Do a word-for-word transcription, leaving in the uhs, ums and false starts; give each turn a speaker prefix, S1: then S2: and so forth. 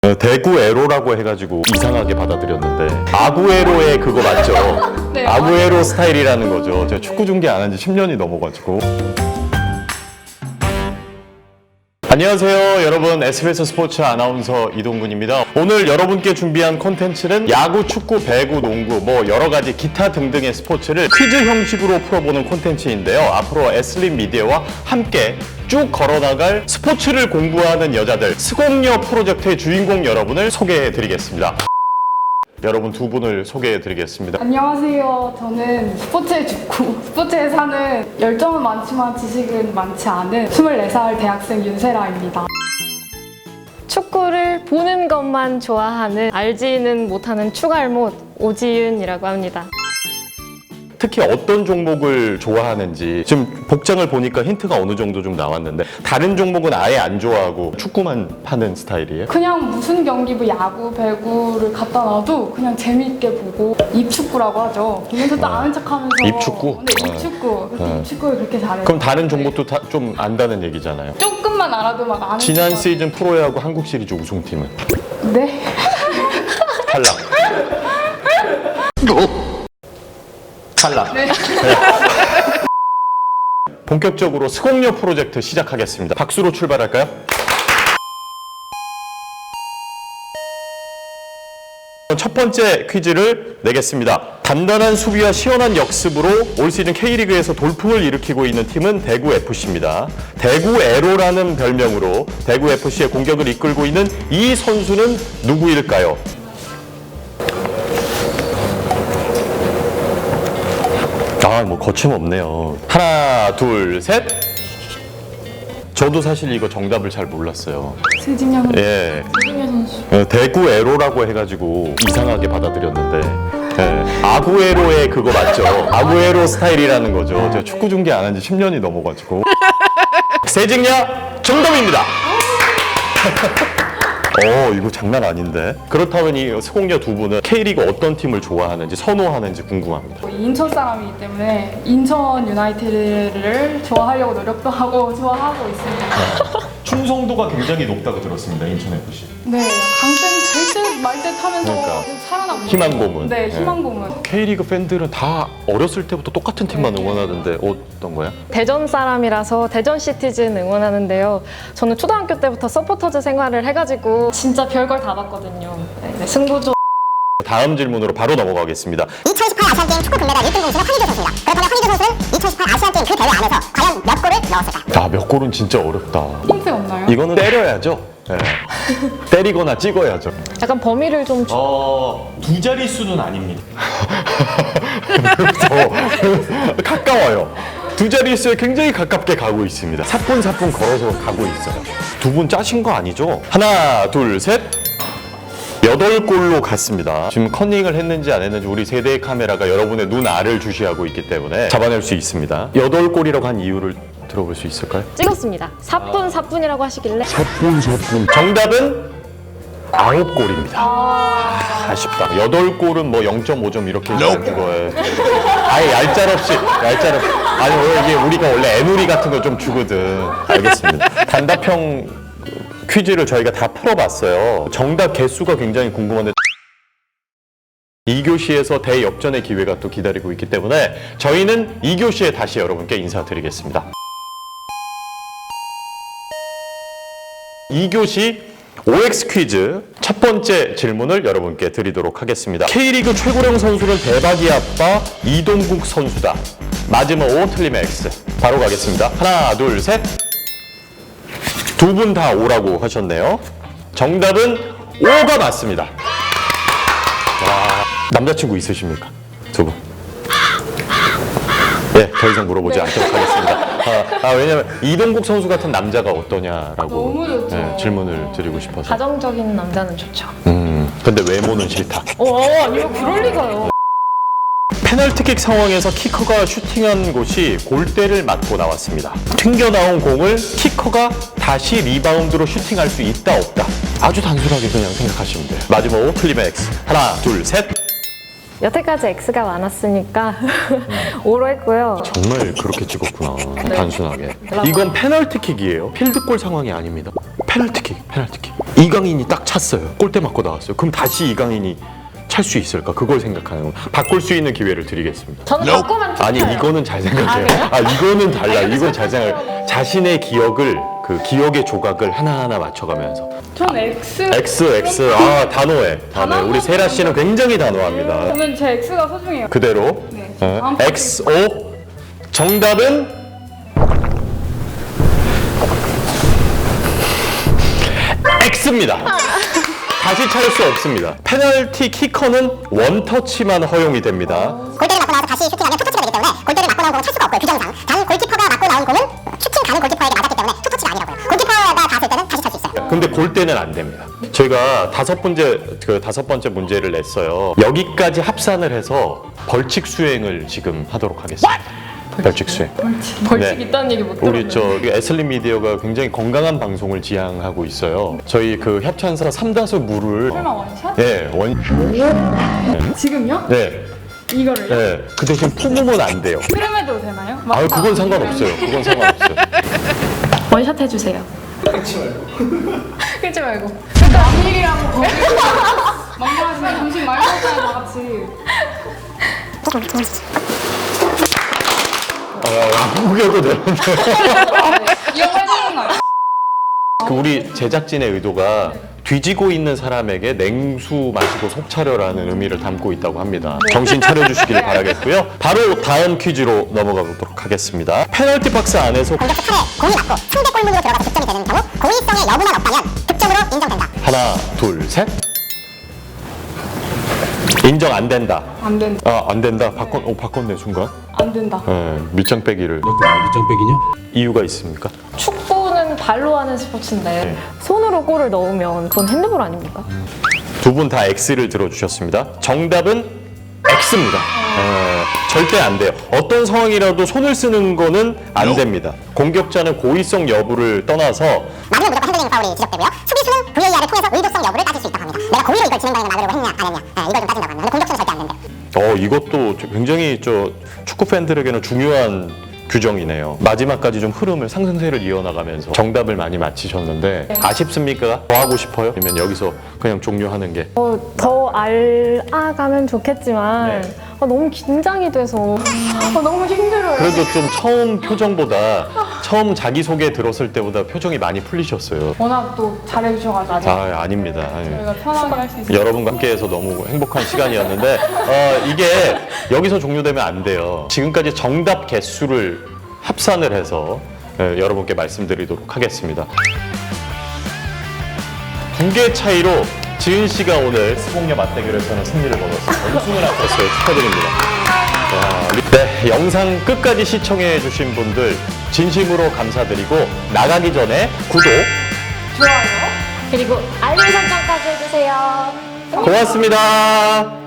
S1: 어, 대구 에로라고 해가지고 이상하게 받아들였는데 아구에로의 그거 맞죠?
S2: 네,
S1: 아구에로 스타일이라는 거죠. 제가 축구 중계 안 한 지 십 년이 넘어가지고. 안녕하세요 여러분, 에스비에스 스포츠 아나운서 이동근입니다. 오늘 여러분께 준비한 콘텐츠는 야구, 축구, 배구, 농구 뭐 여러가지 기타 등등의 스포츠를 퀴즈 형식으로 풀어보는 콘텐츠인데요. 앞으로 에스림 미디어와 함께 쭉 걸어나갈 스포츠를 공부하는 여자들 스공녀 프로젝트의 주인공 여러분을 소개해드리겠습니다. 여러분 두 분을 소개해드리겠습니다.
S2: 안녕하세요. 저는 스포츠에 죽고 스포츠에 사는 열정은 많지만 지식은 많지 않은 스물네 살 대학생 윤세라입니다.
S3: 축구를 보는 것만 좋아하는 알지는 못하는 축알못 오지윤이라고 합니다.
S1: 특히 어떤 종목을 좋아하는지 지금 복장을 보니까 힌트가 어느 정도 좀 나왔는데 다른 종목은 아예 안 좋아하고 축구만 파는 스타일이에요?
S2: 그냥 무슨 경기, 뭐 야구, 배구를 갖다 놔도 그냥 재미있게 보고 입축구라고 하죠. 보면서 또 아는 척하면서
S1: 입축구?
S2: 네, 입축구. 그래서
S1: 네.
S2: 입축구를 그렇게 잘해요.
S1: 그럼 다른 종목도 다 좀 안다는 얘기잖아요.
S2: 조금만 알아도 막 아는
S1: 지난
S2: 척하고.
S1: 시즌 프로야구 한국 시리즈 우승팀은
S2: 네.
S1: 탈락. 탈락.
S2: 네.
S1: 본격적으로 스공녀 프로젝트 시작하겠습니다. 박수로 출발할까요? 첫 번째 퀴즈를 내겠습니다. 단단한 수비와 시원한 역습으로 올 시즌 K리그에서 돌풍을 일으키고 있는 팀은 대구에프씨입니다. 대구에로라는 별명으로 대구에프씨의 공격을 이끌고 있는 이 선수는 누구일까요? 아, 뭐 거침없네요. 하나, 둘, 셋. 저도 사실 이거 정답을 잘 몰랐어요.
S2: 세징야 선수.
S1: 예.
S2: 세징야 선수.
S1: 어, 대구 에로라고 해가지고 이상하게 받아들였는데 예. 아구에로의 그거 맞죠? 아구에로 스타일이라는 거죠. 제가 축구 중계 안 한 지 십 년이 넘어가지고. 세징야 정답입니다. 어, 이거 장난 아닌데. 그렇다면 이 스공녀 두 분은 K리그 어떤 팀을 좋아하는지 선호하는지 궁금합니다.
S2: 인천 사람이기 때문에 인천 유나이티드를 좋아하려고 노력도 하고 좋아하고 있습니다.
S1: 충성도가 굉장히 높다고 들었습니다. 인천에프씨.
S2: 네, 강등 될듯 말듯 하면서
S1: 그러니까.
S2: 계속 살아남고
S1: 희망
S2: 있어요.
S1: 고문.
S2: 네,
S1: 네.
S2: 희망 고문.
S1: K리그 팬들은 다 어렸을 때부터 똑같은 팀만 응원하던데 어떤 거야?
S3: 대전 사람이라서 대전 시티즌 응원하는데요. 저는 초등학교 때부터 서포터즈 생활을 해가지고 진짜 별걸 다 봤거든요. 네, 네, 승부조.
S1: 다음 질문으로 바로 넘어가겠습니다.
S4: 이천십팔 아시안게임 축구 금메달 일 등 공신은 황희조 선수입니다. 그렇다면 황희조 선수는 이천십팔 아시안게임 그 대회 안에서 과연 몇 골을 넣었을까요?
S1: 아, 몇 골은 진짜 어렵다.
S2: 힌트 없나요?
S1: 이거는 때려야죠. 네. 때리거나 찍어야죠.
S3: 약간 범위를 좀 주-
S5: 어, 두 자릿수는 아닙니다.
S1: 더 가까워요. 두 자릿수에 굉장히 가깝게 가고 있습니다. 사뿐사뿐 걸어서 가고 있어요. 두 분 짜신 거 아니죠? 하나, 둘, 셋. 여덟 골로 갔습니다. 지금 컨닝을 했는지 안 했는지 우리 세대의 카메라가 여러분의 눈 알을 주시하고 있기 때문에 잡아낼 수 있습니다. 여덟 골이라고 한 이유를 들어볼 수 있을까요?
S3: 찍었습니다. 사뿐 사뿐이라고 하시길래
S1: 사뿐 사뿐. 정답은 아홉 골입니다. 아, 아쉽다. 여덟 골은 뭐 영 점 오 점 이렇게 해주는 거에 아예 얄짤없이 얄짤없이 아니 원래 이게 우리가 원래 애누리 같은 거 좀 주거든. 알겠습니다. 단답형 퀴즈를 저희가 다 풀어봤어요. 정답 개수가 굉장히 궁금한데 이 교시에서 대역전의 기회가 또 기다리고 있기 때문에 저희는 이 교시에 다시 여러분께 인사드리겠습니다. 이 교시 오엑스 퀴즈 첫 번째 질문을 여러분께 드리도록 하겠습니다. K리그 최고령 선수는 대박이 아빠 이동국 선수다. 맞으면 O, 틀리면 X. 바로 가겠습니다. 하나, 둘, 셋. 두 분 다 O라고 하셨네요. 정답은 O가 맞습니다. 와, 남자친구 있으십니까? 두 분. 네, 더 이상 물어보지 않도록 하겠습니다. 아, 아, 왜냐면 이동국 선수 같은 남자가 어떠냐라고
S2: 너무 좋죠.
S1: 네, 질문을 드리고 싶어서.
S3: 가정적인 남자는 좋죠.
S1: 음, 근데 외모는 싫다.
S3: 어, 아니요, 그럴 리가요.
S1: 페널티킥 상황에서 키커가 슈팅한 곳이 골대를 맞고 나왔습니다. 튕겨나온 공을 키커가 다시 리바운드로 슈팅할 수 있다 없다. 아주 단순하게 그냥 생각하시면 돼요. 맞으면 O, 틀리면 X. 하나, 둘, 셋.
S3: 여태까지 X가 많았으니까 O로 했고요.
S1: 정말 그렇게 찍었구나.
S3: 네.
S1: 단순하게. 이건 페널티킥이에요. 필드골 상황이 아닙니다. 페널티킥, 페널티킥. 이강인이 딱 찼어요. 골대 맞고 나왔어요. 그럼 다시 이강인이 찰 수 있을까? 그걸 생각하는 거. 바꿀 수 있는 기회를 드리겠습니다.
S3: 저는 바꾸면
S1: 아니
S3: 좋아요.
S1: 이거는 잘 생각해요.
S3: 아, 그래요?
S1: 아 이거는 달라. 이건 잘 생각. 자신의 기억을 그 기억의 조각을 하나하나 맞춰가면서
S2: 전 X.
S1: X X 아 단호해. 단호해. 우리 세라 씨는 굉장히 단호합니다.
S2: 저는 제 X가 소중해요.
S1: 그대로
S2: 네.
S1: 어,
S2: 다음
S1: 엑스 오 정답은 X입니다. 다시 찾을 수 없습니다. 페널티 키커는 원터치만 허용이 됩니다.
S4: 골대를 맞고 나와서 다시 슈팅하면 투터치가 되기 때문에 골대를 맞고 나온 공은 찰 수가 없고요. 규정상. 단 골키퍼가 맞고 나온 공은 슈팅 가는 골키퍼에게 맞았기 때문에 투터치가 아니라고요. 골키퍼가 닿았을 때는 다시 찰 수 있어요.
S1: 근데 골대는 안 됩니다. 저희가 다섯 번째 그 다섯 번째 문제를 냈어요. 여기까지 합산을 해서 벌칙 수행을 지금 하도록 하겠습니다. 벌칙 수행.
S3: 벌칙
S1: 네.
S3: 있다는 얘기 못 들었어요.
S1: 우리 저 에슬린 미디어가 굉장히 건강한 방송을 지향하고 있어요. 저희 그 협찬사 삼다수 물을
S2: 설마 원샷?
S1: 예, 원
S2: 지금요?
S1: 네.
S2: 이거를요?
S1: 네. 그 대신 품으면 안 돼요.
S2: 트림해도 되나요? 막-
S1: 아, 그건 상관없어요. 그건 상관없어요.
S3: 원샷 해주세요.
S2: 끊지 말고.
S3: 그러니까
S2: 남일이라고 거기 막말하시면 정신 말고 하잖아요, 다 같이.
S1: 아, 무게도 되는데.
S2: 이런 거 해주는 거예요.
S1: 그 우리 제작진의 의도가 뒤지고 있는 사람에게 냉수 마시고 속 차려라는 의미를 담고 있다고 합니다. 정신 차려주시길 바라겠고요. 바로 다음 퀴즈로 넘어가 보도록 하겠습니다. 페널티 박스 안에서
S4: 공격수 팔에 공이 맞고 상대 골문으로 들어가서 득점이 되는 경우 고의성의 여부만 없다면 득점으로 인정된다.
S1: 하나, 둘, 셋. 인정 안 된다.
S2: 안 된다.
S1: 아, 안 된다. 바꿨, 어, 바꿨네, 순간.
S2: 안 된다.
S1: 예, 밑장 빼기를.
S5: 밑장 빼기냐?
S1: 이유가 있습니까?
S3: 축구는 발로 하는 스포츠인데
S1: 네.
S3: 손으로 골을 넣으면 그건 핸드볼 아닙니까?
S1: 두 분 다 X를 들어주셨습니다. 정답은 X입니다. 예, 절대 안 돼요. 어떤 상황이라도 손을 쓰는 거는 안 됩니다. 공격자는 고의성 여부를 떠나서
S4: 막으면 무조건 핸들링 파울이 지적되고요. 수비수는 브이에이알을 통해서 의도성 여부를 따질 수 있다고 합니다. 내가 고의로 이걸 진행방향을 막으려고 했냐 안 했냐 네, 이걸 좀 따진다고 합니다. 근데 공격수는 절대 안 된대요.
S1: 어, 이것도 굉장히 저 축구 팬들에게는 중요한 규정이네요. 마지막까지 좀 흐름을 상승세를 이어나가면서 정답을 많이 맞히셨는데 아쉽습니까? 더 하고 싶어요? 아니면 여기서 그냥 종료하는 게?
S3: 어, 더 알아가면 좋겠지만
S1: 네.
S3: 어, 너무 긴장이 돼서 어, 너무 힘들어요.
S1: 그래도 좀 처음 표정보다 처음 자기소개 들었을 때보다 표정이 많이 풀리셨어요.
S2: 워낙 또 잘해주셔가지고
S1: 아, 아닙니다. 아니.
S2: 저희가 편하게 할 수 있어요.
S1: 여러분과 함께해서 너무 행복한 시간이었는데 어, 이게 여기서 종료되면 안 돼요. 지금까지 정답 개수를 합산을 해서 예, 여러분께 말씀드리도록 하겠습니다. 두 개 차이로 지은 씨가 오늘 스봉녀 맞대결에서는 승리를 거뒀습니다. 우승을 하셨어요. 축하드립니다. 와, 네, 영상 끝까지 시청해 주신 분들 진심으로 감사드리고 나가기 전에 구독,
S2: 좋아요.
S3: 그리고 알림 설정까지 해주세요.
S1: 고맙습니다.